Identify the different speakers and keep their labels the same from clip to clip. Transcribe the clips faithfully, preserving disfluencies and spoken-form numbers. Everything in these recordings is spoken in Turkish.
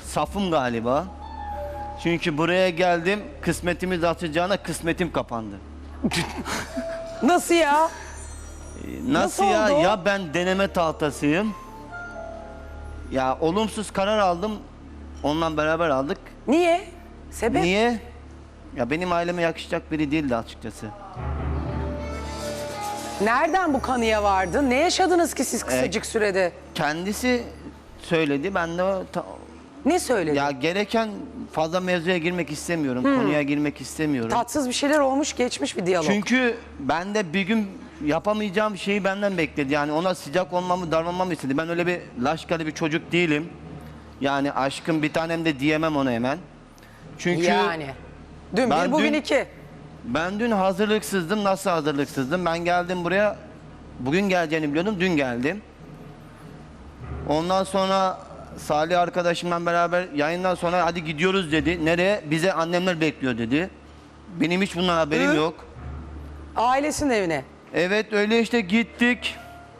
Speaker 1: safım galiba. Çünkü buraya geldim, kısmetimiz açacağına kısmetim kapandı.
Speaker 2: Nasıl ya?
Speaker 1: Nasıl,
Speaker 2: Nasıl
Speaker 1: ya?
Speaker 2: oldu?
Speaker 1: Ya ben deneme tahtasıyım. Ya olumsuz karar aldım. Onunla beraber aldık.
Speaker 2: Niye? Sebep?
Speaker 1: Niye? Ya benim aileme yakışacak biri değildi açıkçası.
Speaker 2: Nereden bu kanıya vardın? Ne yaşadınız ki siz kısacık sürede?
Speaker 1: Kendisi söyledi. Ben de o ta-
Speaker 2: Ne söyledin?
Speaker 1: ya gereken fazla mevzuya girmek istemiyorum. Konuya girmek istemiyorum.
Speaker 2: Tatsız bir şeyler olmuş, geçmiş bir diyalog.
Speaker 1: Çünkü ben de bir gün yapamayacağım şeyi benden bekledi. Yani ona sıcak olmamı, davranmamı istedi. Ben öyle bir laşkalı bir çocuk değilim. Yani aşkım bir tanem de diyemem ona hemen. Çünkü
Speaker 2: Yani. Dün
Speaker 1: ben
Speaker 2: bir, bugün
Speaker 1: dün-
Speaker 2: iki.
Speaker 1: ben dün hazırlıksızdım. Nasıl hazırlıksızdım? Ben geldim buraya. Bugün geleceğini biliyordum. Dün geldim. Ondan sonra Salih arkadaşımla beraber yayından sonra hadi gidiyoruz dedi. Nereye? Bize annemler bekliyor dedi. Benim hiç bundan haberim
Speaker 2: Hı?
Speaker 1: yok.
Speaker 2: Ailesinin evine.
Speaker 1: Evet öyle işte gittik.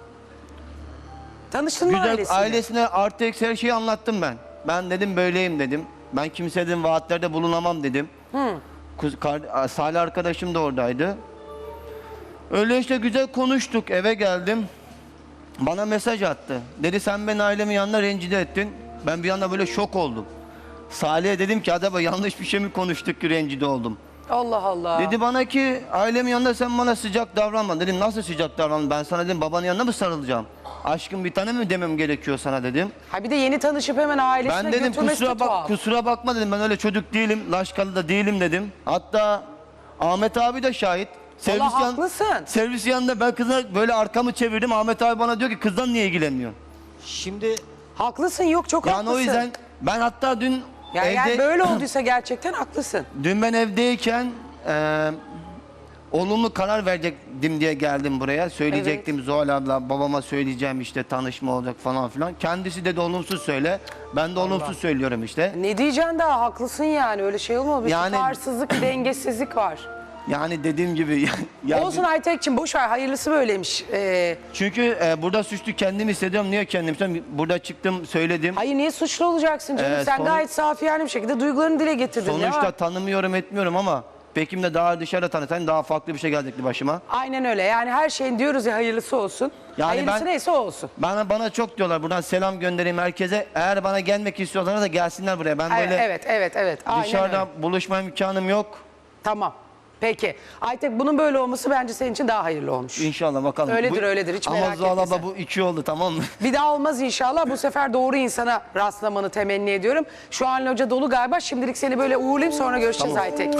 Speaker 2: Tanıştın mı
Speaker 1: Güzel
Speaker 2: ailesiyle?
Speaker 1: ailesine artı eksi her şeyi anlattım ben. Ben dedim böyleyim dedim. Ben kimseye dedim vaatlerde bulunamam dedim.
Speaker 2: Hı.
Speaker 1: Kuz, kar, Salih arkadaşım da oradaydı. Öyle işte güzel konuştuk, eve geldim. Bana mesaj attı. Dedi sen beni ailemin yanına rencide ettin. Ben bir anda böyle şok oldum. Salih'e dedim ki acaba yanlış bir şey mi konuştuk ki rencide oldum.
Speaker 2: Allah Allah.
Speaker 1: Dedi bana ki ailemin yanında sen bana sıcak davranma. Dedim nasıl sıcak davranma? Ben sana dedim babanın yanına mı sarılacağım? Aşkım bir tane mi demem gerekiyor sana dedim.
Speaker 2: Ha bir de yeni tanışıp hemen ailesine
Speaker 1: Ben dedim
Speaker 2: götürmesi
Speaker 1: kusura
Speaker 2: de
Speaker 1: bak
Speaker 2: tuhaf.
Speaker 1: kusura bakma dedim ben öyle çocuk değilim. Laşkalı da değilim dedim. Hatta Ahmet abi de şahit. Servis
Speaker 2: Allah
Speaker 1: yan-
Speaker 2: haklısın.
Speaker 1: Servis yanında ben kıza böyle arkamı çevirdim. Ahmet abi bana diyor ki kızdan niye ilgilenmiyor?
Speaker 3: Şimdi
Speaker 2: Haklısın, yok çok
Speaker 1: Yani
Speaker 2: haklısın.
Speaker 1: o yüzden ben hatta dün
Speaker 2: Yani,
Speaker 1: evde
Speaker 2: yani böyle olduysa gerçekten haklısın.
Speaker 1: dün ben evdeyken e, olumlu karar verecektim diye geldim buraya. Söyleyecektim Zuhal abla babama söyleyeceğim işte tanışma olacak falan filan. Kendisi dedi olumsuz söyle. Ben de olumsuz söylüyorum işte.
Speaker 2: Ne diyeceksin daha, haklısın yani, öyle şey olmadı. Bir
Speaker 1: Yani-
Speaker 2: tutarsızlık, bir dengesizlik var.
Speaker 1: Yani dediğim gibi ya,
Speaker 2: Olsun Aytek'cim, boş ver, hayırlısı böyleymiş. Ee,
Speaker 1: çünkü e, burada suçlu kendim hissediyorum. Niye kendim hissediyorum? Burada çıktım söyledim.
Speaker 2: hayır, niye suçlu olacaksın canım?
Speaker 1: Ee,
Speaker 2: Sen
Speaker 1: son-
Speaker 2: gayet safiyane bir şekilde duygularını dile getirdin. Ne
Speaker 1: Sonuçta
Speaker 2: var?
Speaker 1: tanımıyorum etmiyorum ama Pekim de daha dışarıda tanıtan daha farklı bir şey gelecekti başıma.
Speaker 2: Aynen öyle. Yani her şeyin diyoruz ya, hayırlısı olsun.
Speaker 1: Yani
Speaker 2: hayırlısı
Speaker 1: ben-
Speaker 2: neyse o olsun.
Speaker 1: Bana bana çok diyorlar buradan selam göndereyim herkese. Eğer bana gelmek istiyorlarsa da gelsinler buraya. Ben
Speaker 2: Evet,
Speaker 1: böyle
Speaker 2: evet, evet, evet. Aynen
Speaker 1: dışarıda
Speaker 2: öyle.
Speaker 1: buluşma imkanım yok.
Speaker 2: Tamam. Peki. Aytek, bunun böyle olması bence senin için daha hayırlı olmuş.
Speaker 1: İnşallah bakalım.
Speaker 2: Öyledir, öyledir. Hiç
Speaker 1: ama
Speaker 2: merak
Speaker 1: Zuhal
Speaker 2: etme
Speaker 1: abla
Speaker 2: sen.
Speaker 1: bu iki oldu tamam mı?
Speaker 2: Bir daha olmaz inşallah. Bu sefer doğru insana rastlamanı temenni ediyorum. Şu an loca dolu galiba. Şimdilik seni böyle uğurlayayım, sonra görüşeceğiz
Speaker 1: Tamam.
Speaker 2: Aytek.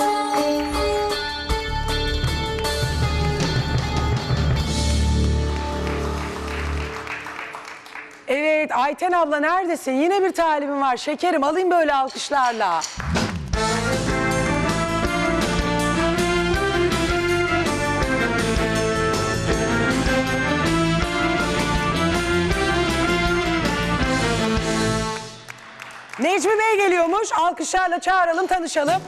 Speaker 2: Evet, Ayten abla neredesin? Yine bir talibim var. Şekerim, alayım böyle alkışlarla. Necmi Bey geliyormuş. Alkışlarla çağıralım, tanışalım.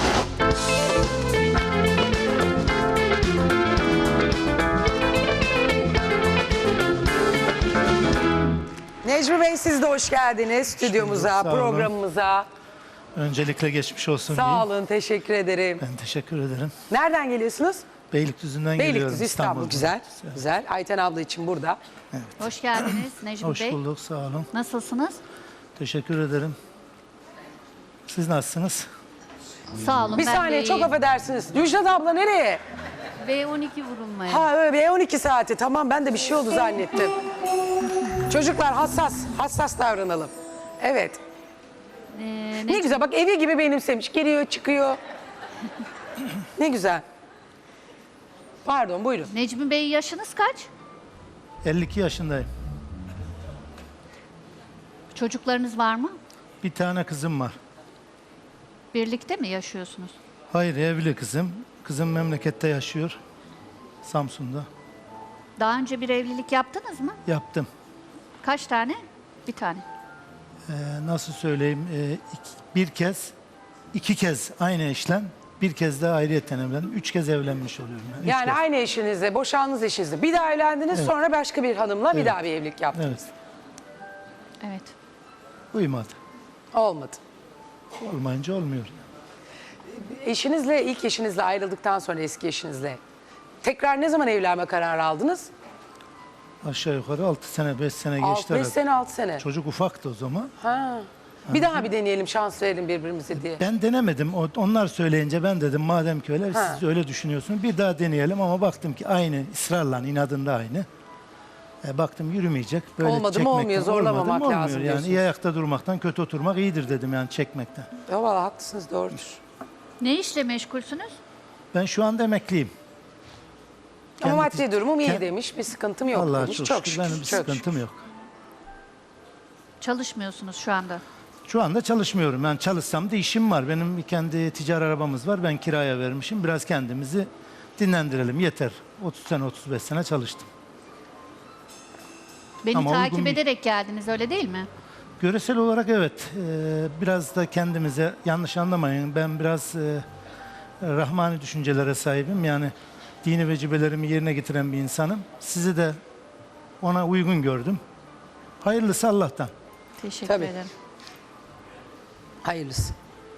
Speaker 2: Necmi Bey, siz de hoş geldiniz stüdyomuza,
Speaker 4: sağ olun.
Speaker 2: programımıza.
Speaker 4: Öncelikle geçmiş olsun
Speaker 2: Sağ
Speaker 4: diyeyim.
Speaker 2: olun, teşekkür ederim.
Speaker 4: Ben teşekkür ederim.
Speaker 2: Nereden geliyorsunuz?
Speaker 4: Beylikdüzü'nden geliyorum.
Speaker 2: Beylikdüzü, İstanbul.
Speaker 4: İstanbul'dan.
Speaker 2: Güzel, güzel. Ayten abla için burada.
Speaker 5: Hoş geldiniz Necmi
Speaker 4: Hoş
Speaker 5: Bey.
Speaker 4: bulduk, sağ olun.
Speaker 5: Nasılsınız?
Speaker 4: Teşekkür ederim. Siz nasılsınız?
Speaker 5: Sağ olun.
Speaker 2: Bir
Speaker 5: ben
Speaker 2: saniye,
Speaker 5: de
Speaker 2: çok
Speaker 5: iyiyim.
Speaker 2: affedersiniz. Müjdat abla nereye?
Speaker 5: B on iki vurulmaya.
Speaker 2: Ha öyle B on iki saati. Tamam, ben de bir şey oldu zannettim. Çocuklar hassas, hassas davranalım. Evet.
Speaker 5: Ee,
Speaker 2: Ne
Speaker 5: Necmi-
Speaker 2: güzel, bak evi gibi benimsemiş. Giriyor, çıkıyor. Ne güzel. Pardon, buyurun.
Speaker 5: Necmi Bey, yaşınız kaç?
Speaker 4: elli iki yaşındayım.
Speaker 5: Çocuklarınız var mı?
Speaker 4: Bir tane kızım var.
Speaker 5: Birlikte mi yaşıyorsunuz?
Speaker 4: Hayır, evli kızım. Kızım memlekette yaşıyor. Samsun'da.
Speaker 5: Daha önce bir evlilik yaptınız mı?
Speaker 4: Yaptım.
Speaker 5: Kaç tane? Bir tane.
Speaker 4: Ee, nasıl söyleyeyim? Ee, iki- bir kez, iki kez aynı eşlem. Bir kez de ayrıyeten evlendim. Üç kez evlenmiş oluyorum. Ben. Üç
Speaker 2: Yani
Speaker 4: kez.
Speaker 2: aynı eşinizle, boşandınız eşinizle. Bir daha evlendiniz,
Speaker 4: Evet.
Speaker 2: sonra başka bir hanımla bir
Speaker 4: Evet.
Speaker 2: daha bir evlilik yaptınız.
Speaker 4: Evet,
Speaker 5: Evet.
Speaker 4: uymadı.
Speaker 2: Olmadı.
Speaker 4: Olmayınca olmuyor.
Speaker 2: Eşinizle, ilk eşinizle ayrıldıktan sonra eski eşinizle tekrar ne zaman evlenme kararı aldınız?
Speaker 4: Aşağı yukarı altı sene beş sene geçti
Speaker 2: altı beş
Speaker 4: herhalde.
Speaker 2: sene, altı sene.
Speaker 4: Çocuk ufaktı o zaman.
Speaker 2: Ha. Bir daha bir deneyelim, şans verelim birbirimize diye.
Speaker 4: Ben denemedim. O- Onlar söyleyince ben dedim madem ki öyle
Speaker 2: Ha.
Speaker 4: siz öyle düşünüyorsunuz bir daha deneyelim ama baktım ki aynı ısrarla inadında aynı. E, baktım yürümeyecek. Böyle
Speaker 2: Olmadı mı
Speaker 4: çekmekten-
Speaker 2: olmuyor, zorlamamak
Speaker 4: olmadı mı olmuyor.
Speaker 2: lazım
Speaker 4: Yani
Speaker 2: diyorsunuz.
Speaker 4: iyi ayakta durmaktan kötü oturmak iyidir dedim yani çekmekten.
Speaker 2: Ya valla haklısınız, doğrudur.
Speaker 5: Ne işle meşgulsünüz?
Speaker 4: Ben şu anda emekliyim.
Speaker 2: Ama
Speaker 4: Kendi-
Speaker 2: maddi durumum iyi
Speaker 4: kend-
Speaker 2: demiş, bir sıkıntım yok
Speaker 4: Allah'a
Speaker 2: demiş.
Speaker 4: çok,
Speaker 2: Çok
Speaker 4: şükür.
Speaker 2: şükür.
Speaker 4: Benim bir
Speaker 2: çok
Speaker 4: sıkıntım
Speaker 2: şükür.
Speaker 4: yok.
Speaker 5: Çalışmıyorsunuz şu anda.
Speaker 4: Şu anda çalışmıyorum. Yani çalışsam da işim var. Benim kendi ticari arabamız var. Ben kiraya vermişim. Biraz kendimizi dinlendirelim. Yeter. otuz sene otuz beş sene çalıştım.
Speaker 5: Beni
Speaker 4: Ama
Speaker 5: takip
Speaker 4: uygun bir-
Speaker 5: ederek geldiniz öyle değil mi?
Speaker 4: Göresel olarak evet. Ee, biraz da kendimize yanlış anlamayın. Ben biraz e, rahmani düşüncelere sahibim. Yani dini vecibelerimi yerine getiren bir insanım. Sizi de ona uygun gördüm. Hayırlısı Allah'tan.
Speaker 5: Teşekkür
Speaker 2: Tabii.
Speaker 5: ederim.
Speaker 2: Hayırlısı.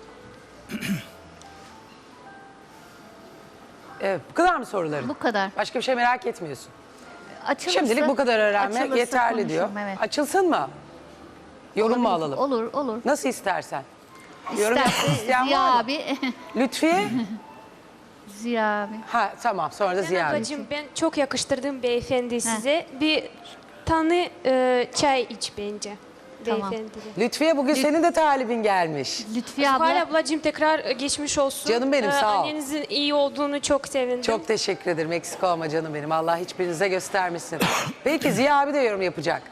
Speaker 2: Evet, bu kadar mı soruların?
Speaker 5: Bu kadar.
Speaker 2: Başka bir şey merak etmiyorsun.
Speaker 5: Açılırsa,
Speaker 2: Şimdilik bu kadar öğrenmek
Speaker 5: açılırsa
Speaker 2: yeterli diyor.
Speaker 5: konuşurum, Evet.
Speaker 2: Açılsın mı? Yorum mu
Speaker 5: Olabilir.
Speaker 2: alalım?
Speaker 5: Olur, olur.
Speaker 2: Nasıl istersen. Yorum yapmak
Speaker 5: İsterse
Speaker 2: isteyen
Speaker 5: Ziya
Speaker 2: var mı?
Speaker 5: abi.
Speaker 2: Lütfiye?
Speaker 5: Ziya abi.
Speaker 2: Ha tamam, sonra da Ziya.
Speaker 3: Ablacığım, ben çok yakıştırdım beyefendi size. Bir tane e, çay iç bence.
Speaker 5: Tamam.
Speaker 3: Beyefendiye.
Speaker 2: Lütfiye bugün senin de talibin gelmiş.
Speaker 5: Lütfiye
Speaker 3: Zuhal
Speaker 5: abla.
Speaker 3: ablacığım tekrar e, geçmiş olsun.
Speaker 2: Canım benim, sağ ol.
Speaker 3: Annenizin iyi olduğunu çok sevindim.
Speaker 2: Çok teşekkür ederim. Eksik olma canım benim. Allah hiçbirinize göstermesin. Peki Ziya abi de yorum yapacak.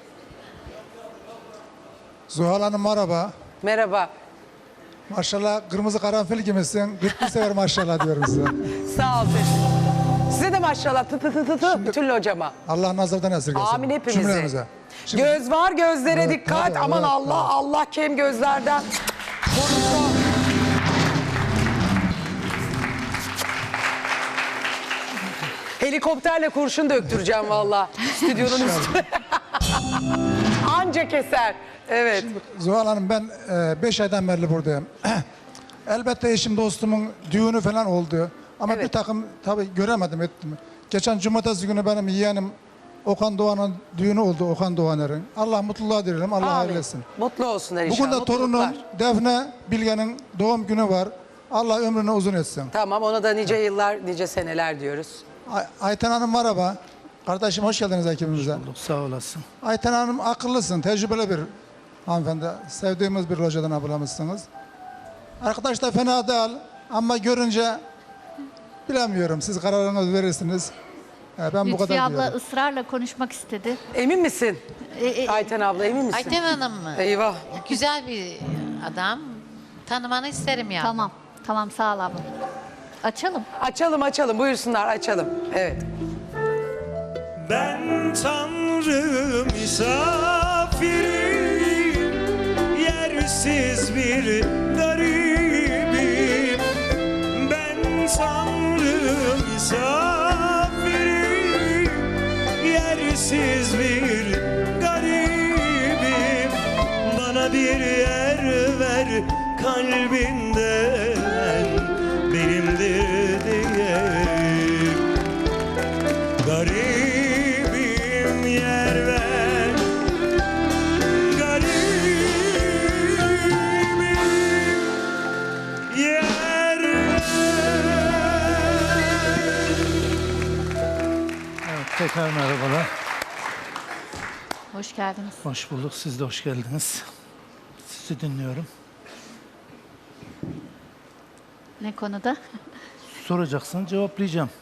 Speaker 6: Zuhal Hanım merhaba.
Speaker 2: Merhaba.
Speaker 6: Maşallah kırmızı karanfil gibisin. kırk bir sefer maşallah diyorum size.
Speaker 2: Sağ ol. Size de maşallah tı tı tı tı tı Bütünlü hocama.
Speaker 6: Allah nazardan esirgesin.
Speaker 2: Amin hepimize.
Speaker 6: Cümlemize. Şimdi
Speaker 2: Göz var gözlere
Speaker 6: Evet,
Speaker 2: dikkat.
Speaker 6: tabii,
Speaker 2: Aman
Speaker 6: evet,
Speaker 2: Allah
Speaker 6: tabii.
Speaker 2: Allah kem gözlerden korusun. Helikopterle kurşun döktüreceğim valla. Stüdyonun üstüne. Anca keser. Evet.
Speaker 6: Zuhal Hanım ben beş aydan beri buradayım. Elbette eşim dostumun düğünü falan oldu. Ama
Speaker 2: Evet.
Speaker 6: bir takım tabii göremedim ettim. Geçen cumartesi günü benim yeğenim Okan Doğan'ın düğünü oldu. Okan Doğaner'in. Allah mutluluğa dilerim. Allah hayırlı
Speaker 2: Amin.
Speaker 6: etsin.
Speaker 2: Mutlu olsunlar inşallah.
Speaker 6: Bugün de torunum
Speaker 2: Mutluluklar.
Speaker 6: Defne Bilge'nin doğum günü var. Allah ömrünü uzun etsin.
Speaker 2: Tamam ona da nice yıllar, nice seneler diyoruz.
Speaker 6: Ay- Ayten Hanım merhaba. Kardeşim hoş geldiniz ekibimize.
Speaker 4: Sağ olasın.
Speaker 6: Ayten Hanım akıllısın, tecrübeli bir hanımefendi. Sevdiğimiz bir locadan ablamızsınız. Arkadaş da fena değil ama görünce bilemiyorum. Siz kararınızı verirsiniz. Ee, Ben bu
Speaker 5: Lütfiye
Speaker 6: kadar
Speaker 5: abla
Speaker 6: diyorum.
Speaker 5: ısrarla konuşmak istedi.
Speaker 2: Emin misin?
Speaker 5: E, e,
Speaker 2: Ayten abla emin misin?
Speaker 7: Ayten Hanım mı?
Speaker 2: Eyvah.
Speaker 7: Güzel bir adam. Tanımanı isterim ya.
Speaker 5: Tamam. Tamam sağ ol abla. Açalım.
Speaker 2: Açalım açalım buyursunlar açalım. Evet.
Speaker 8: Ben Tanrı misafiriyim, yersiz bir garibim. Ben Tanrı misafiriyim, yersiz bir garibim. Bana bir yer ver kalbinden, benimdir diye. Garibim yer ver, garibim yer ver.
Speaker 4: Evet, tekrar merhabalar.
Speaker 5: Hoş geldiniz.
Speaker 4: Hoş bulduk. Siz de hoş geldiniz. Sizi dinliyorum.
Speaker 5: Ne konuda?
Speaker 4: Soracaksan cevaplayacağım.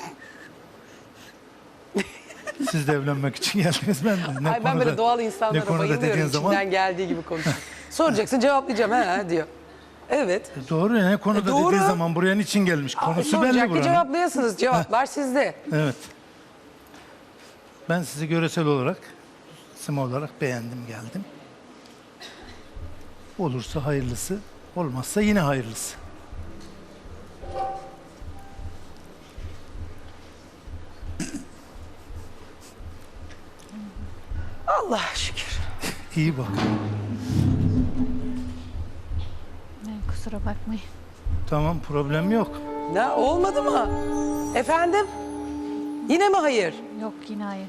Speaker 4: Siz de evlenmek için geldiniz ben de. Ne
Speaker 2: Ay ben
Speaker 4: konuda-
Speaker 2: böyle doğal
Speaker 4: ne
Speaker 2: insanlara
Speaker 4: konuda
Speaker 2: bayılıyorum.
Speaker 4: dediğin zaman
Speaker 2: İçinden geldiği gibi konuşuyor. Soracaksın cevaplayacağım he diyor. Evet.
Speaker 4: E, doğru ya, ne konuda
Speaker 2: E, doğru.
Speaker 4: dediği zaman buraya niçin gelmiş? Konusu
Speaker 2: Soracak
Speaker 4: belli
Speaker 2: ki
Speaker 4: buranın.
Speaker 2: cevaplayasınız. Cevaplar sizde.
Speaker 4: Evet. Ben sizi göresel olarak, isim olarak beğendim, geldim. Olursa hayırlısı, olmazsa yine hayırlısı.
Speaker 2: Allah şükür.
Speaker 4: İyi bak.
Speaker 5: Kusura bakmayın.
Speaker 4: Tamam, problem yok.
Speaker 2: Ne olmadı mı? Efendim? Yine mi hayır?
Speaker 5: Yok yine hayır.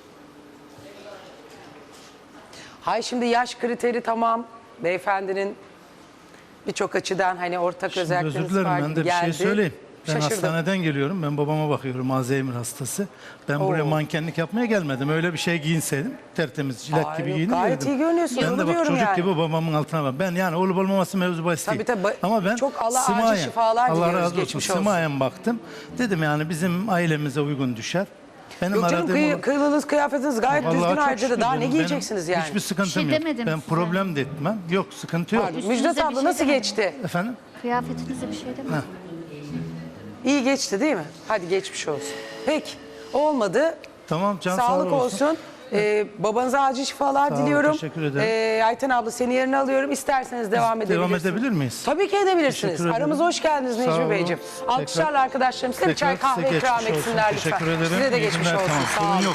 Speaker 2: Hay şimdi yaş kriteri tamam. Beyefendinin birçok açıdan hani ortak
Speaker 4: Şimdi özür
Speaker 2: özellikleriniz
Speaker 4: dilerim,
Speaker 2: var
Speaker 4: ben
Speaker 2: gibi
Speaker 4: de bir
Speaker 2: geldi.
Speaker 4: şey söyleyeyim. Ben
Speaker 2: Şaşırdım.
Speaker 4: hastaneden geliyorum. Ben babama bakıyorum, Alzheimer hastası. Ben buraya
Speaker 2: Oo.
Speaker 4: mankenlik yapmaya gelmedim. Öyle bir şey giyinseydim, tertemiz, jilet
Speaker 2: Ay
Speaker 4: gibi
Speaker 2: yok,
Speaker 4: giyinirdim.
Speaker 2: gayet iyi görünüyorsun,
Speaker 4: Ben
Speaker 2: onu
Speaker 4: de bak
Speaker 2: diyorum
Speaker 4: çocuk
Speaker 2: yani.
Speaker 4: gibi babamın altına bak. Ben yani olup olmaması mevzu bahis değil.
Speaker 2: Tabii, tabii.
Speaker 4: Ama ben
Speaker 2: Çok Allah acil
Speaker 4: sımayen,
Speaker 2: şifalar
Speaker 4: Allah
Speaker 2: diliyoruz,
Speaker 4: razı olsun.
Speaker 2: geçmiş olsun.
Speaker 4: Sımayen baktım. Dedim yani bizim ailemize uygun düşer. Benim
Speaker 2: Yok canım,
Speaker 4: aradığım
Speaker 2: kıy,
Speaker 4: o-
Speaker 2: kıyılınız, kıyafetiniz gayet
Speaker 4: Vallahi
Speaker 2: düzgün
Speaker 4: çok
Speaker 2: harcadı.
Speaker 4: şükür
Speaker 2: Daha ne
Speaker 4: benim-
Speaker 2: giyeceksiniz
Speaker 4: benim
Speaker 2: yani?
Speaker 4: Hiçbir sıkıntım
Speaker 5: Bir şey
Speaker 4: yok.
Speaker 5: demedim
Speaker 4: Ben
Speaker 5: size.
Speaker 4: problem de etmem. Yok, sıkıntı yok.
Speaker 2: Pardon,
Speaker 5: Üstünüze
Speaker 2: Müjdat
Speaker 5: bir
Speaker 2: abla
Speaker 5: şey
Speaker 2: nasıl
Speaker 5: demedim.
Speaker 2: geçti?
Speaker 4: Efendim?
Speaker 5: Kıyafetinize bir şey demedim.
Speaker 2: İyi geçti değil mi? Hadi geçmiş olsun. Peki, olmadı.
Speaker 4: Tamam, can sağ
Speaker 2: Sağlık
Speaker 4: olsun.
Speaker 2: olsun. Ee, babanıza acil şifalar
Speaker 4: Sağ ol,
Speaker 2: diliyorum.
Speaker 4: teşekkür ederim.
Speaker 2: Ee, Ayten abla seni yerine alıyorum. İsterseniz devam
Speaker 4: Biz
Speaker 2: edebilirsiniz.
Speaker 4: devam edebilir miyiz?
Speaker 2: Tabii ki edebilirsiniz.
Speaker 4: Teşekkür ederim.
Speaker 2: Aramıza hoş geldiniz
Speaker 4: Sağ
Speaker 2: Necmi
Speaker 4: olun.
Speaker 2: Beyciğim.
Speaker 4: Tekrar-
Speaker 2: Alkışlarla arkadaşlarım size bir çay
Speaker 4: Tekrar size
Speaker 2: kahve ikram
Speaker 4: geçmiş olsun.
Speaker 2: etsinler lütfen.
Speaker 4: Teşekkür ederim.
Speaker 2: Size de
Speaker 4: İyi
Speaker 2: geçmiş
Speaker 4: günler,
Speaker 2: olsun.
Speaker 4: tamam,
Speaker 2: Sağ
Speaker 4: sorun
Speaker 2: olun.
Speaker 4: yok.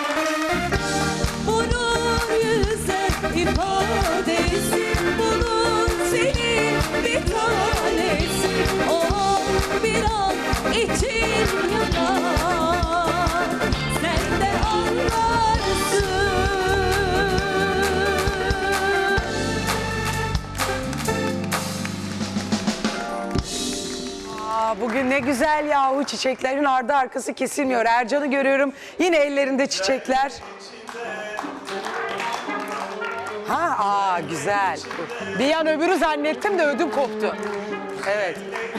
Speaker 9: Bunun yüzü ifadesi, bunun senin bir tanesi. O bir an için yanar, sen de anlarsın.
Speaker 2: Aa, bugün ne güzel yahu, çiçeklerin ardı arkası kesilmiyor. Ercan'ı görüyorum, yine ellerinde çiçekler. Ha, aa güzel. Bir an öbürü zannettim de ödüm koptu. Evet.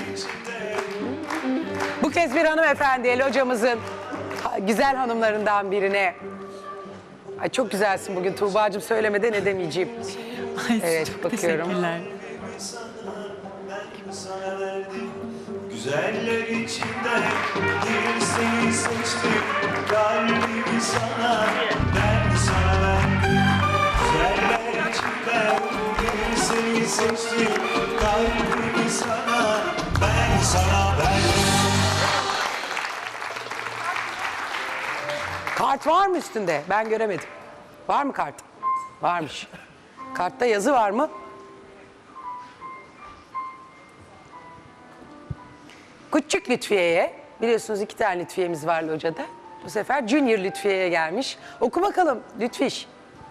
Speaker 2: Bu kez bir hanımefendi, El hocamızın ha- güzel hanımlarından birine. Ay çok güzelsin bugün Tuğba'cığım, söylemeden edemeyeceğim. Evet, bakıyorum.
Speaker 8: Güzeller içinde bir seni seçtim, kalbimi sana, ben sana verdim. Güzeller içinde bir seni seçtim, kalbimi sana, ben sana verdim.
Speaker 2: Kart var mı üstünde? Ben göremedim. Var mı kart? Varmış. Kartta yazı var mı? Küçük Lütfiye'ye, biliyorsunuz iki tane Lütfiye'miz var hocada. Bu sefer Junior Lütfiye'ye gelmiş. Oku bakalım Lütfiş.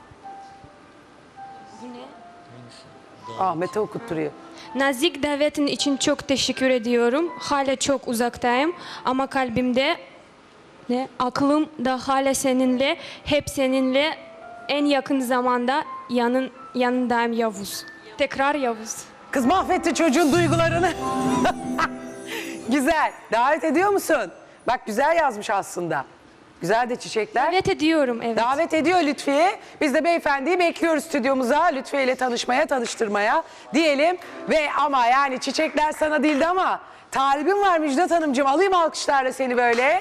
Speaker 2: Ahmet'e okutturuyor.
Speaker 3: Nazik davetin için çok teşekkür ediyorum. Hala çok uzaktayım ama kalbimde, ne, aklım da hala seninle, hep seninle, en yakın zamanda yanın yanındayım Yavuz. Tekrar Yavuz.
Speaker 2: Kız mahvetti çocuğun duygularını. Güzel. Davet ediyor musun? Bak güzel yazmış aslında. Güzel de çiçekler.
Speaker 3: Evet ediyorum, evet.
Speaker 2: Davet ediyor Lütfiye. Biz de beyefendiyi bekliyoruz stüdyomuza. Lütfiye ile tanışmaya, tanıştırmaya diyelim. Ve ama yani çiçekler sana değildi ama talibim var Müjdat Hanımcığım. Alayım alkışlarla seni böyle.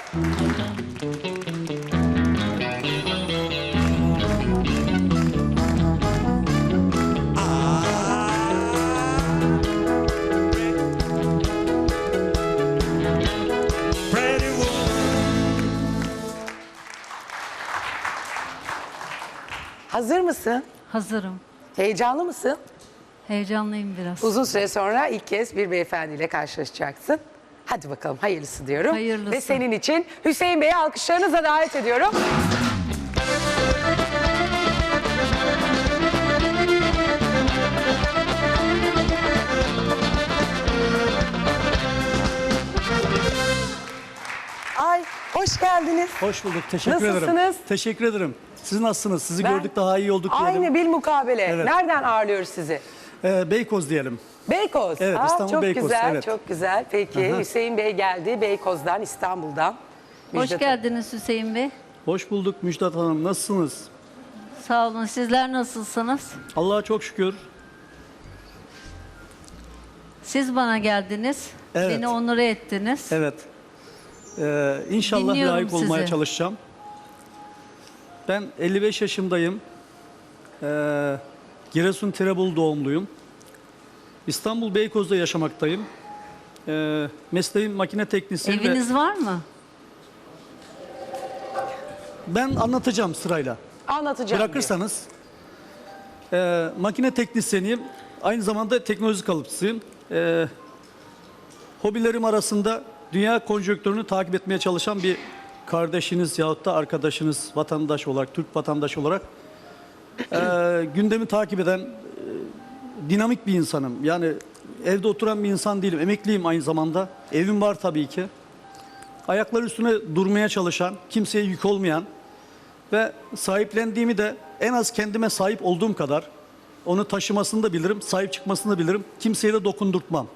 Speaker 8: Pretty woman.
Speaker 2: Hazır mısın?
Speaker 5: Hazırım.
Speaker 2: Heyecanlı mısın?
Speaker 5: Heyecanlıyım biraz.
Speaker 2: Uzun süre sonra ilk kez bir beyefendiyle karşılaşacaksın. Hadi bakalım hayırlısı diyorum.
Speaker 5: Hayırlısı.
Speaker 2: Ve senin için Hüseyin Bey'i alkışlarınızla davet ediyorum. Ay hoş geldiniz.
Speaker 10: Hoş bulduk. Teşekkür
Speaker 2: Nasılsınız?
Speaker 10: ederim. Teşekkür ederim. Siz nasılsınız? Sizi
Speaker 2: Ben-
Speaker 10: gördük daha iyi olduk diyelim.
Speaker 2: Aynı bilmukabele.
Speaker 10: Evet.
Speaker 2: Nereden ağırlıyoruz sizi?
Speaker 10: Ee, Beykoz diyelim.
Speaker 2: Beykoz.
Speaker 10: Evet,
Speaker 2: Aa,
Speaker 10: İstanbul
Speaker 2: çok
Speaker 10: Beykoz,
Speaker 2: güzel,
Speaker 10: evet.
Speaker 2: çok güzel. Peki
Speaker 10: Aha.
Speaker 2: Hüseyin Bey geldi Beykoz'dan, İstanbul'dan.
Speaker 5: Hoş
Speaker 2: Müjdat
Speaker 5: geldiniz Hüseyin Bey.
Speaker 10: Hoş bulduk Müjdat Hanım. Nasılsınız?
Speaker 5: Sağ olun. Sizler nasılsınız?
Speaker 10: Allah'a çok şükür.
Speaker 5: Siz bana geldiniz.
Speaker 10: Evet.
Speaker 5: Beni onur ettiniz.
Speaker 10: Evet. Ee, inşallah
Speaker 5: Dinliyorum
Speaker 10: layık olmaya
Speaker 5: sizi.
Speaker 10: çalışacağım. Ben elli beş yaşındayım. Ee, Giresun Tirebolu doğumluyum. İstanbul Beykoz'da yaşamaktayım. Ee, mesleğim makine teknisyeni. ve-
Speaker 5: Eviniz var mı?
Speaker 10: Ben anlatacağım sırayla.
Speaker 2: Anlatacağım. diyor.
Speaker 10: Bırakırsanız. Ee, makine teknisyeniyim. Aynı zamanda teknoloji kalıpçısıyım. Ee, hobilerim arasında dünya konjonktürünü takip etmeye çalışan bir kardeşiniz yahut da arkadaşınız, vatandaş olarak, Türk vatandaş olarak e, gündemi takip eden e, dinamik bir insanım. Yani evde oturan bir insan değilim. Emekliyim aynı zamanda. Evim var tabii ki. Ayakları üstüne durmaya çalışan, kimseye yük olmayan ve sahiplendiğimi de en az kendime sahip olduğum kadar onu taşımasını da bilirim, sahip çıkmasını da bilirim. Kimseye de dokundurtmam.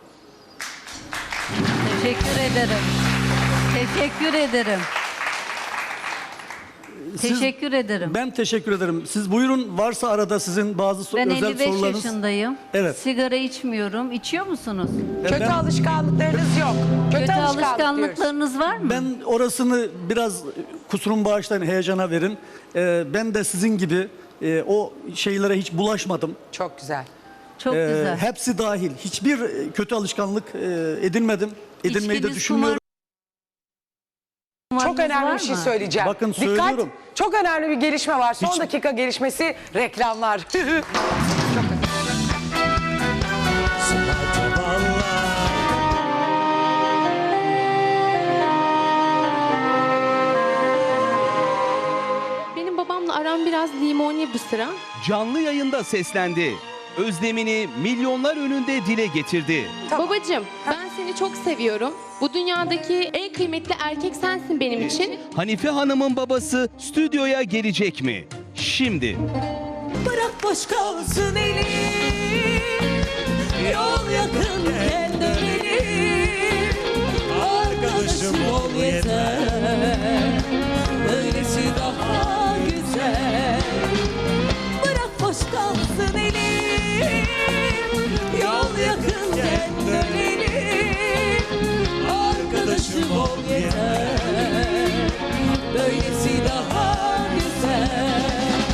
Speaker 5: Teşekkür ederim. Teşekkür ederim.
Speaker 10: Siz-
Speaker 5: Teşekkür ederim.
Speaker 10: Ben teşekkür ederim. Siz buyurun, varsa arada sizin bazı so-
Speaker 5: Ben
Speaker 10: özel
Speaker 5: elli beş
Speaker 10: sorularınız.
Speaker 5: yaşındayım.
Speaker 10: Evet.
Speaker 5: Sigara içmiyorum. İçiyor musunuz?
Speaker 2: Kötü
Speaker 10: ben-
Speaker 2: alışkanlıklarınız yok. Kötü,
Speaker 5: Kötü
Speaker 2: alışkanlık diyoruz.
Speaker 5: alışkanlıklarınız var mı?
Speaker 10: Ben orasını biraz kusurum bağışlayın, heyecana verin. Ee, ben de sizin gibi e, o şeylere hiç bulaşmadım.
Speaker 2: Çok güzel.
Speaker 5: Çok
Speaker 10: Ee,
Speaker 5: güzel.
Speaker 10: Hepsi dahil. Hiçbir e, kötü alışkanlık e, edinmedim. Edinmeyi de
Speaker 5: İçkiniz,
Speaker 10: düşünmüyorum.
Speaker 2: Çok
Speaker 5: kumarınız
Speaker 2: önemli
Speaker 5: var
Speaker 2: bir şey
Speaker 5: mı?
Speaker 2: söyleyeceğim.
Speaker 10: Bakın
Speaker 2: Dikkat,
Speaker 10: söylüyorum.
Speaker 2: çok önemli bir gelişme var. Son
Speaker 10: Hiç-
Speaker 2: dakika gelişmesi reklamlar.
Speaker 11: Benim babamla aram biraz limoni bu sıra.
Speaker 12: Canlı yayında seslendi. Özlemini milyonlar önünde dile getirdi.
Speaker 11: Babacığım, ben seni çok seviyorum. Bu dünyadaki en kıymetli erkek sensin benim için.
Speaker 12: Hanife Hanım'ın babası stüdyoya gelecek mi? Şimdi.
Speaker 9: Bırak boş kalsın elim, yol yakınken dönelim. Arkadaşım ol yeter, böylesi daha güzel. Bırak boş kalsın elim, yol yakınken dönelim. Arkadaşım ol yeter, böylesi daha güzel.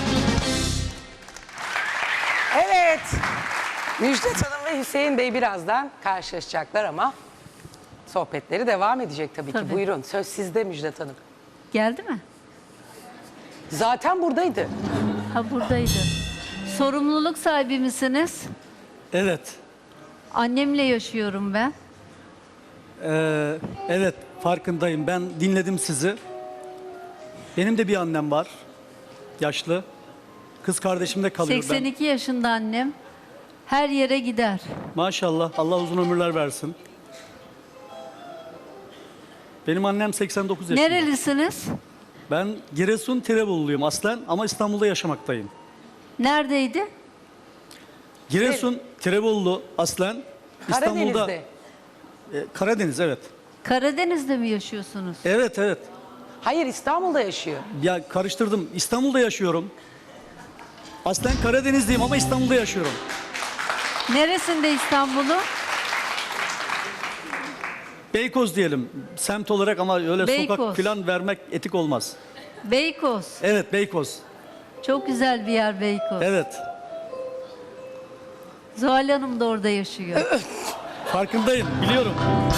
Speaker 2: Evet. Müjdat Hanım ve Hüseyin Bey birazdan karşılaşacaklar ama sohbetleri devam edecek tabii, ki.
Speaker 5: Tabii.
Speaker 2: Buyurun, söz sizde Müjdat Hanım.
Speaker 5: Geldi mi?
Speaker 2: Zaten buradaydı.
Speaker 5: Ha buradaydı. Sorumluluk sahibi misiniz?
Speaker 10: Evet.
Speaker 5: Annemle yaşıyorum ben.
Speaker 10: Ee, evet, farkındayım. Ben dinledim sizi. Benim de bir annem var. Yaşlı. Kız kardeşim de kalıyor.
Speaker 5: seksen iki yaşında annem. Her yere gider.
Speaker 10: Ben. Maşallah. Allah uzun ömürler versin. Benim annem seksen dokuz yaşında.
Speaker 5: Nerelisiniz?
Speaker 10: Ben Giresun Tirebolu'luyum aslen ama İstanbul'da yaşamaktayım.
Speaker 5: Neredeydi?
Speaker 10: Giresun Tirebolu aslen. İstanbul'da.
Speaker 2: Karadeniz'de.
Speaker 10: E, Karadeniz, evet.
Speaker 5: Karadeniz'de mi yaşıyorsunuz?
Speaker 10: Evet, evet.
Speaker 2: Hayır, İstanbul'da yaşıyor.
Speaker 10: Ya karıştırdım. İstanbul'da yaşıyorum. Aslen Karadenizliyim ama İstanbul'da yaşıyorum.
Speaker 5: Neresinde İstanbul'un?
Speaker 10: Beykoz diyelim. Semt olarak ama öyle
Speaker 5: Beykoz.
Speaker 10: sokak falan vermek etik olmaz.
Speaker 5: Beykoz.
Speaker 10: Evet, Beykoz.
Speaker 5: Çok güzel bir yer Beykoz.
Speaker 10: Evet.
Speaker 5: Zuhal Hanım da orada yaşıyor.
Speaker 10: Farkındayım, biliyorum.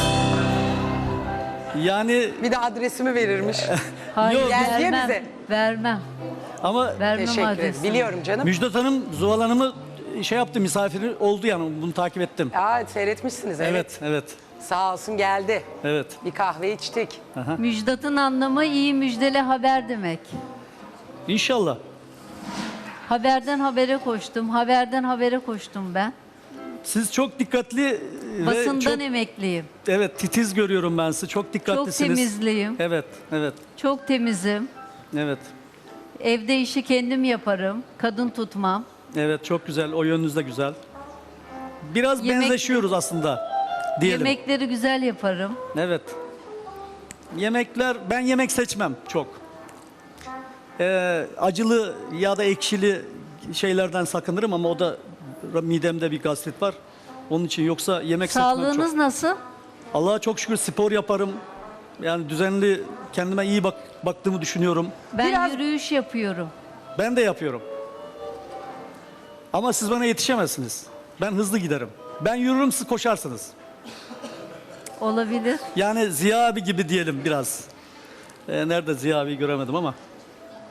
Speaker 10: Yani
Speaker 2: Bir de adresimi verirmiş.
Speaker 5: Hayır,
Speaker 10: Yok,
Speaker 2: Gel diye
Speaker 5: vermem.
Speaker 2: bize.
Speaker 5: Vermem.
Speaker 10: ama
Speaker 5: Vermem
Speaker 2: Teşekkür ederim.
Speaker 5: adresini.
Speaker 2: Biliyorum canım.
Speaker 10: Müjdat Hanım, Zuhal Hanım'ı şey yaptı, misafiri oldu yani. Bunu takip ettim.
Speaker 2: Aa, seyretmişsiniz, evet.
Speaker 10: Evet, evet,
Speaker 2: Sağ olsun geldi.
Speaker 10: evet.
Speaker 2: Bir kahve içtik.
Speaker 5: Müjdat'ın anlamı iyi müjdeli haber demek.
Speaker 10: İnşallah.
Speaker 5: Haberden habere koştum, haberden habere koştum ben.
Speaker 10: Siz çok dikkatli ve
Speaker 5: Basından
Speaker 10: çok,
Speaker 5: emekliyim.
Speaker 10: evet, titiz görüyorum ben sizi. Çok
Speaker 5: Çok
Speaker 10: dikkatlisiniz.
Speaker 5: temizliyim,
Speaker 10: Evet, evet,
Speaker 5: çok temizim.
Speaker 10: evet.
Speaker 5: Evde işi kendim yaparım, kadın tutmam.
Speaker 10: Evet, çok güzel. O yönünüz de güzel. Biraz
Speaker 5: Yemek-
Speaker 10: benzeşiyoruz aslında diyelim.
Speaker 5: Yemekleri güzel yaparım.
Speaker 10: Evet. Yemekler, ben yemek seçmem çok. Ee, acılı ya da ekşili şeylerden sakınırım ama o da midemde bir gastrit var. Onun için, yoksa yemek seçmem
Speaker 5: Sağlığınız
Speaker 10: çok.
Speaker 5: nasıl?
Speaker 10: Allah'a çok şükür spor yaparım. Yani düzenli, kendime iyi bak baktığımı düşünüyorum.
Speaker 5: Ben
Speaker 2: Biraz-
Speaker 5: yürüyüş yapıyorum.
Speaker 10: Ben de yapıyorum. Ama siz bana yetişemezsiniz. Ben hızlı giderim. Ben yürürüm, siz koşarsınız.
Speaker 5: Olabilir.
Speaker 10: Yani Ziya abi gibi diyelim biraz. Ee, nerede Ziya abiyi göremedim ama.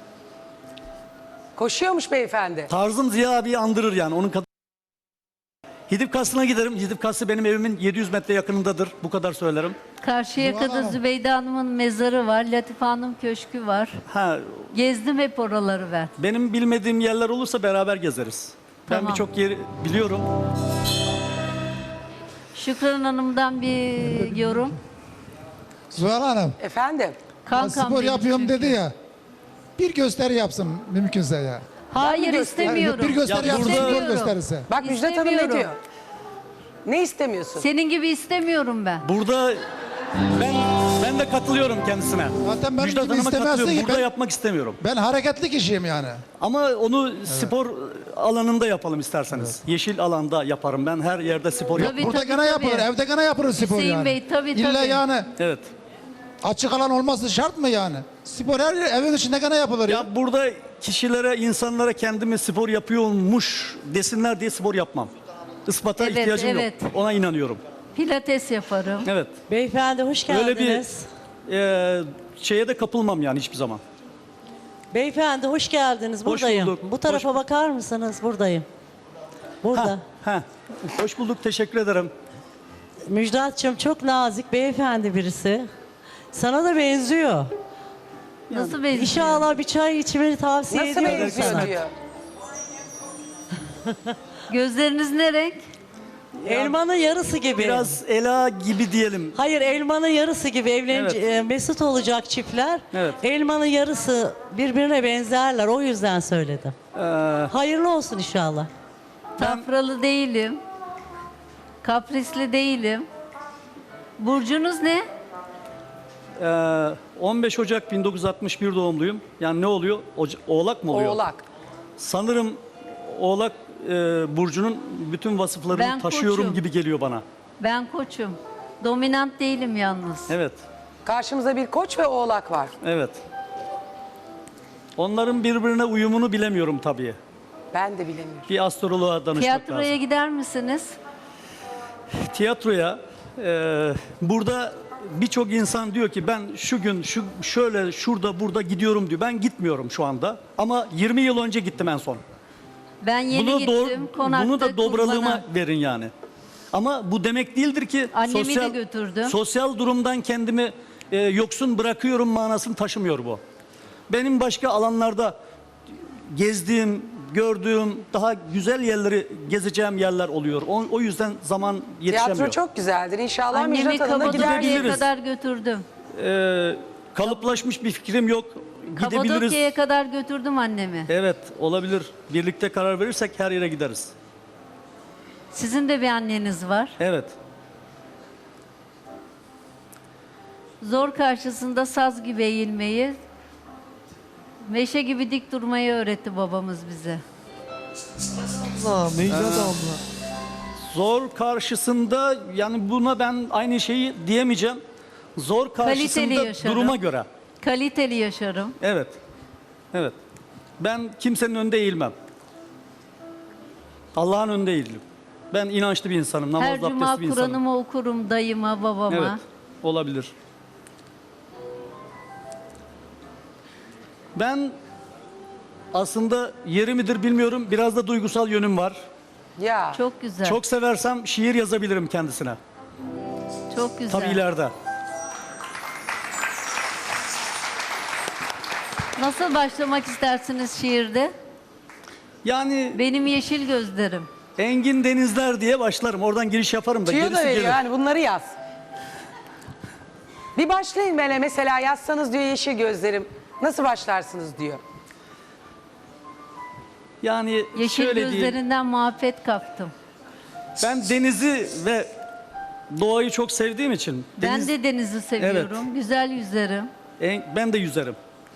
Speaker 2: Koşuyormuş beyefendi.
Speaker 10: Tarzım Ziya abiyi andırır yani. Onun kadar Hidip Kasrı'na giderim. Hidip Kasrı benim evimin yedi yüz metre yakınındadır. Bu kadar söylerim.
Speaker 5: Karşıyaka'da
Speaker 6: Hanım.
Speaker 5: Zübeyde Hanım'ın mezarı var. Latife Hanım köşkü var.
Speaker 10: Ha,
Speaker 5: Gezdim hep oraları ben.
Speaker 10: benim bilmediğim yerler olursa beraber gezeriz. Ben
Speaker 5: Tamam.
Speaker 10: birçok yeri biliyorum.
Speaker 5: Şükran Hanım'dan bir yorum.
Speaker 6: Zuhal Hanım,
Speaker 2: Efendim?
Speaker 5: Kankam
Speaker 6: spor
Speaker 5: benim
Speaker 6: yapıyorum
Speaker 5: çünkü.
Speaker 6: dedi ya. Bir gösteri yapsın mümkünse ya.
Speaker 5: Hayır
Speaker 2: göster-
Speaker 5: istemiyorum.
Speaker 6: Bir gösteri
Speaker 10: Ya
Speaker 6: yapsın,
Speaker 10: burada-
Speaker 6: spor gösterisi.
Speaker 2: Bak Müjdat Hanım ne
Speaker 5: İstemiyorum.
Speaker 2: diyor? Ne istemiyorsun?
Speaker 5: Senin gibi istemiyorum ben.
Speaker 10: Burada ben ben de katılıyorum kendisine.
Speaker 6: Zaten benim
Speaker 10: Müjdat
Speaker 6: gibi
Speaker 10: Hanım'a
Speaker 6: istemezsin
Speaker 10: katılıyorum.
Speaker 6: ki.
Speaker 10: Burada
Speaker 6: Ben-
Speaker 10: yapmak istemiyorum.
Speaker 6: Ben hareketli kişiyim yani.
Speaker 10: Ama onu spor alanında yapalım isterseniz. Yeşil alanda yaparım ben. Her yerde spor yaparım.
Speaker 5: Tabii,
Speaker 6: Burada
Speaker 5: tabii,
Speaker 6: gene
Speaker 5: tabii.
Speaker 6: yapılır, evde gene yapılır spor
Speaker 5: Hüseyin
Speaker 6: yani.
Speaker 5: Bey, tabii,
Speaker 6: İlla
Speaker 5: tabii.
Speaker 6: yani
Speaker 10: Evet.
Speaker 6: açık alan olması şart mı yani? Spor her evin içinde gene yapılır ya.
Speaker 10: Ya burada kişilere, insanlara kendimi spor yapıyormuş desinler diye spor yapmam. Ispata
Speaker 5: Evet,
Speaker 10: ihtiyacım
Speaker 5: evet.
Speaker 10: yok. Ona inanıyorum.
Speaker 5: Pilates yaparım.
Speaker 10: Evet.
Speaker 13: Beyefendi hoş
Speaker 10: Öyle
Speaker 13: geldiniz.
Speaker 10: bir e, şeye de kapılmam yani hiçbir zaman.
Speaker 13: Beyefendi hoş geldiniz.
Speaker 10: Hoş
Speaker 13: Buradayım.
Speaker 10: bulduk.
Speaker 13: Bu tarafa
Speaker 10: Hoş-
Speaker 13: bakar mısınız? Buradayım. Burada.
Speaker 10: Ha. Hoş bulduk. Teşekkür ederim.
Speaker 13: Müjdatçım çok nazik beyefendi birisi. Sana da benziyor.
Speaker 5: Nasıl benziyor?
Speaker 13: İnşallah bir çay içmeni tavsiye
Speaker 2: Nasıl
Speaker 13: ediyorum
Speaker 2: benziyor
Speaker 13: sana.
Speaker 2: diyor.
Speaker 5: Gözleriniz ne renk?
Speaker 13: Elmanın yarısı gibi.
Speaker 10: Biraz Ela gibi diyelim.
Speaker 13: Hayır elmanın yarısı gibi evlenecek
Speaker 10: Evet.
Speaker 13: mesut olacak çiftler.
Speaker 10: Evet.
Speaker 13: Elmanın yarısı birbirine benzerler. O yüzden söyledim.
Speaker 10: Ee,
Speaker 13: Hayırlı olsun inşallah.
Speaker 5: Tafralı değilim. Kaprisli değilim. Burcunuz ne?
Speaker 10: e, on beş Ocak bin dokuz yüz altmış bir doğumluyum. Yani ne oluyor? Oca- Oğlak mı oluyor?
Speaker 2: Oğlak.
Speaker 10: Sanırım Oğlak e, burcunun bütün vasıflarını
Speaker 5: Ben
Speaker 10: taşıyorum
Speaker 5: koçum.
Speaker 10: gibi geliyor bana.
Speaker 5: Ben koçum. Dominant değilim yalnız.
Speaker 10: Evet.
Speaker 2: Karşımızda bir koç ve oğlak var.
Speaker 10: Evet. Onların birbirine uyumunu bilemiyorum tabii.
Speaker 2: Ben de bilemiyorum.
Speaker 10: Bir astroloğa danışmak
Speaker 5: Tiyatroya
Speaker 10: lazım.
Speaker 5: gider misiniz?
Speaker 10: Tiyatroya e, burada birçok insan diyor ki ben şu gün şu şöyle şurada burada gidiyorum diyor. Ben gitmiyorum şu anda ama yirmi yıl önce gittim en son.
Speaker 5: Ben yeni
Speaker 10: Bunu
Speaker 5: gittim.
Speaker 10: doğ-
Speaker 5: Konakta
Speaker 10: bunu da dobralığıma
Speaker 5: kurbana.
Speaker 10: verin yani. Ama bu demek değildir ki
Speaker 5: Annemi de
Speaker 10: sosyal
Speaker 5: götürdüm.
Speaker 10: sosyal durumdan kendimi e, yoksun bırakıyorum manasını taşımıyor bu. Benim başka alanlarda gezdiğim, gördüğüm daha güzel yerleri gezeceğim yerler oluyor. O, o yüzden zaman yetişemiyor.
Speaker 2: Tiyatro çok güzeldir. İnşallah
Speaker 5: Annemi
Speaker 2: Müjdat Hanım'la
Speaker 5: Kapadokya'ya
Speaker 2: gidersiniz.
Speaker 10: Gidebiliriz.
Speaker 5: kadar götürdüm.
Speaker 10: Ee, kalıplaşmış bir fikrim yok. Gidebiliriz.
Speaker 5: Kapadokya'ya kadar götürdüm annemi.
Speaker 10: Evet, olabilir. Birlikte karar verirsek her yere gideriz.
Speaker 5: Sizin de bir anneniz var.
Speaker 10: Evet.
Speaker 5: Zor karşısında saz gibi eğilmeyi, meşe gibi dik durmayı öğretti babamız bize.
Speaker 10: Zor karşısında yani buna ben aynı şeyi diyemeyeceğim. Zor
Speaker 5: Kaliteli
Speaker 10: karşısında
Speaker 5: yaşarım.
Speaker 10: duruma göre.
Speaker 5: Kaliteli yaşarım.
Speaker 10: Evet. Evet. Ben kimsenin önünde eğilmem. Allah'ın önünde eğilirim. Ben inançlı bir insanım.
Speaker 5: Her
Speaker 10: Namazlı
Speaker 5: cuma
Speaker 10: abdestli bir insanım.
Speaker 5: Kur'an'ımı okurum dayıma, babama.
Speaker 10: Evet. Olabilir. Ben aslında yeri midir bilmiyorum. Biraz da duygusal yönüm var.
Speaker 2: Ya.
Speaker 5: Çok güzel.
Speaker 10: Çok seversem şiir yazabilirim kendisine.
Speaker 5: Çok güzel.
Speaker 10: Tabii ileride.
Speaker 5: Nasıl başlamak istersiniz şiirde?
Speaker 10: Yani
Speaker 5: Benim yeşil gözlerim.
Speaker 10: Engin Denizler diye başlarım. Oradan giriş yaparım da
Speaker 2: Tüyo da
Speaker 10: gerisi
Speaker 2: veriyor
Speaker 10: gelir.
Speaker 2: yani bunları yaz. Bir başlayın böyle mesela yazsanız diyor yeşil gözlerim. Nasıl başlarsınız diyor.
Speaker 10: Yani
Speaker 5: Yeşil
Speaker 10: şöyle diyeyim.
Speaker 5: gözlerinden muhabbet kaptım.
Speaker 10: Ben denizi ve doğayı çok sevdiğim için.
Speaker 5: Ben
Speaker 10: deniz-
Speaker 5: de denizi seviyorum. Güzel yüzerim.
Speaker 10: en- ben de yüzerim.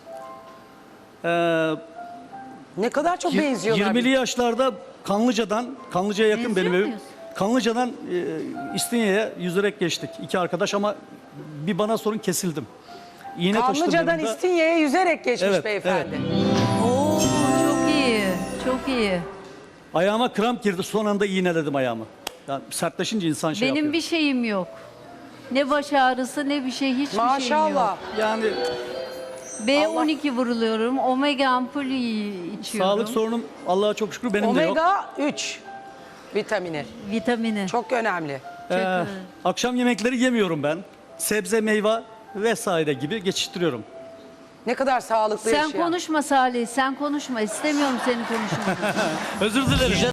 Speaker 10: Ee,
Speaker 2: Ne kadar çok benziyorlar.
Speaker 10: yirmili yaşlarda Kanlıca'dan, Kanlıca'ya yakın
Speaker 5: Benziyor
Speaker 10: benim evim.
Speaker 5: muyuz?
Speaker 10: Kanlıca'dan e, İstinye'ye yüzerek geçtik. İki arkadaş ama bir bana sorun kesildim. İğne taşıdım
Speaker 2: Kanlıca'dan
Speaker 10: yanımda.
Speaker 2: İstinye'ye yüzerek geçmiş
Speaker 10: Evet,
Speaker 2: beyefendi.
Speaker 5: Oo çok iyi. Çok iyi.
Speaker 10: Ayağıma kramp girdi. Son anda iğneledim ayağımı. Yani sertleşince insan şey
Speaker 5: Benim
Speaker 10: yapıyor.
Speaker 5: bir şeyim yok. Ne baş ağrısı ne bir şey, hiçbir şeyim
Speaker 2: Maşallah.
Speaker 5: yok.
Speaker 10: Yani
Speaker 5: B on iki vuruluyorum. Omega ampulü içiyorum.
Speaker 10: sağlık sorunum Allah'a çok şükür benim de yok.
Speaker 2: Omega üç. Vitamini.
Speaker 5: Vitamini.
Speaker 2: Çok önemli.
Speaker 10: Ee, akşam yemekleri yemiyorum ben. Sebze, meyve vesaire gibi geçiştiriyorum.
Speaker 2: Ne kadar sağlıklı
Speaker 5: Sen
Speaker 2: yaşayan.
Speaker 5: konuşma Salih, sen konuşma. İstemiyorum seni konuşmanı.
Speaker 10: Özür dilerim.